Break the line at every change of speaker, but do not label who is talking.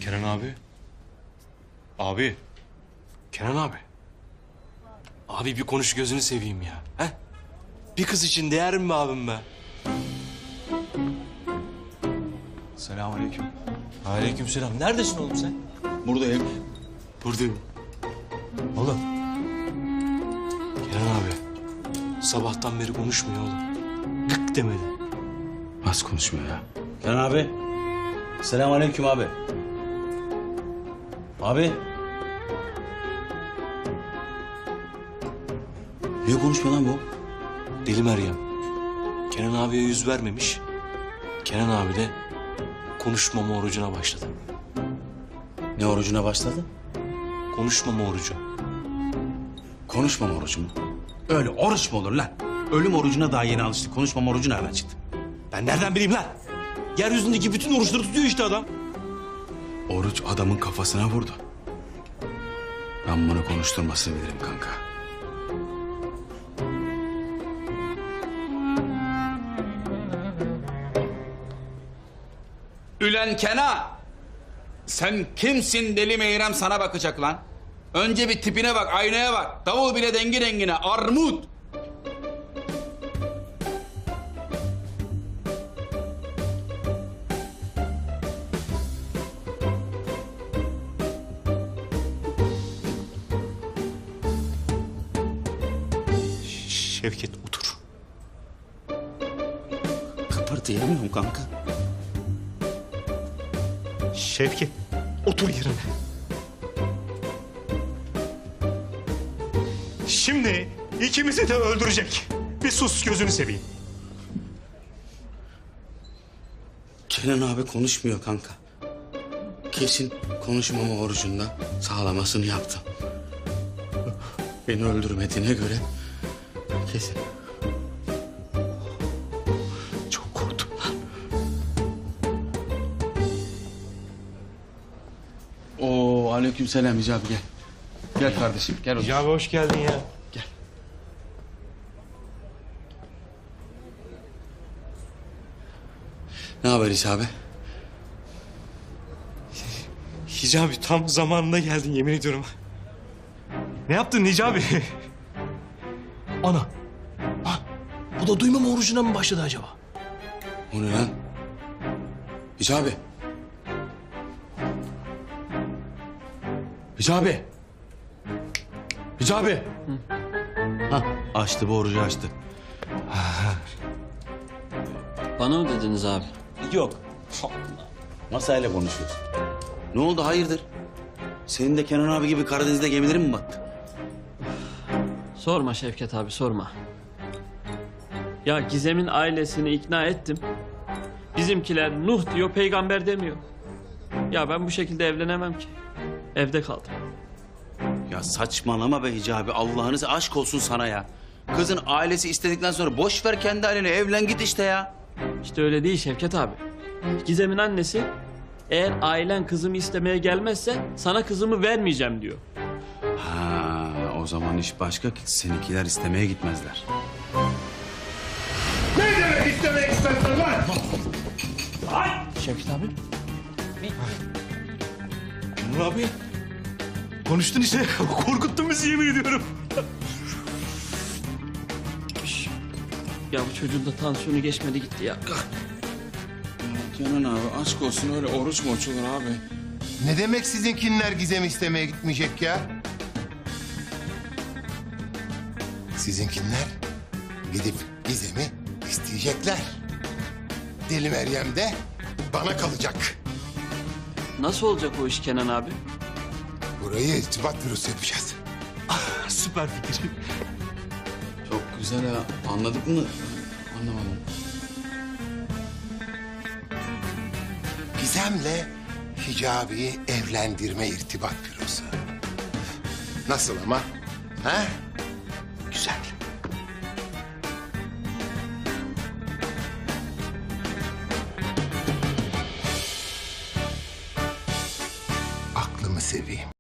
Kenan abi. Abi. Kenan abi. Abi bir konuş gözünü seveyim ya. He? Bir kız için değer mi be abim be?
Selamünaleyküm.
Aleykümselam. Neredesin oğlum sen?
Buradayım.
Buradayım. Oğlum. Kenan abi. Sabahtan beri konuşmuyor oğlum. Gık demedi.
Nasıl konuşmuyor ya? Kenan abi. Selamünaleyküm abi. Abi. Niye konuşmuyor lan bu?
Deli Meryem. Kenan abiye yüz vermemiş. Kenan abi de konuşmama orucuna başladı.
Ne orucuna başladı?
Konuşmama orucu.
Konuşmama orucu mu? Öyle oruç mu olur lan? Ölüm orucuna daha yeni alıştık. Konuşmama orucu nereden çıktı?
Ben nereden bileyim lan? Yeryüzündeki bütün oruçları tutuyor işte adam.
Oruç adamın kafasına vurdu. Ben bunu konuşturmasını bilirim kanka.
Ülen Kenan! Sen kimsin deli Meyrem sana bakacak lan? Önce bir tipine bak, aynaya bak. Davul bile dengi dengine, armut!
Şevket otur.
Kıpırdayamıyorum kanka.
Şevket otur yerine. Şimdi ikimizi de öldürecek. Bir sus gözünü seveyim.
Kenan abi konuşmuyor kanka. Kesin konuşmama orucunda sağlamasını yaptım. Beni öldürmediğine göre kesin. Çok korktum lan. Oo, aleykümselam Hicabi gel. Gel kardeşim gel otur.
Ya hoş geldin ya.
Gel. Ne haber Hicabi?
Hicabi tam zamanında geldin yemin ediyorum. Ne yaptın Hicabi? Ana. Ha, bu da duymama orucuna mı başladı acaba?
O ne lan? Hicabi. Hicabi. Hicabi. Ha, açtı bu orucu açtı.
Bana mı dediniz abi?
Yok. Masayla konuşuyoruz. Ne oldu hayırdır? Senin de Kenan abi gibi Karadeniz'de gemilerin mi battı?
Sorma Şevket abi sorma. Ya Gizem'in ailesini ikna ettim. Bizimkiler Nuh diyor, peygamber demiyor. Ya ben bu şekilde evlenemem ki. Evde kaldım.
Ya saçmalama be Hicabi. Allah'ınız aşk olsun sana ya. Kızın ailesi istedikten sonra boş ver kendi haline evlen git işte ya.
İşte öyle değil Şevket abi. Gizem'in annesi eğer ailen kızımı istemeye gelmezse sana kızımı vermeyeceğim diyor.
Ha, o zaman iş başka ki seninkiler istemeye gitmezler.
Şevket abi.
Kenan abi. Konuştun işte. Korkuttun bizi yemin ediyorum.
Ya bu çocuğun da tansiyonu geçmedi gitti ya.
Kenan abi aşk olsun öyle oruç mu açılır abi?
Ne demek sizinkinler Gizem'i istemeye gitmeyecek ya? Sizinkinler gidip Gizem'i isteyecekler. Deli Meryem de bana kalacak.
Nasıl olacak o iş Kenan abi?
Burayı irtibat bürosu yapacağız.
Süper fikir.
Çok güzel ha. Anladık mı? Anlamadım.
Gizem'le Hicabi'yi evlendirme irtibat bürosu. Nasıl ama? Ha?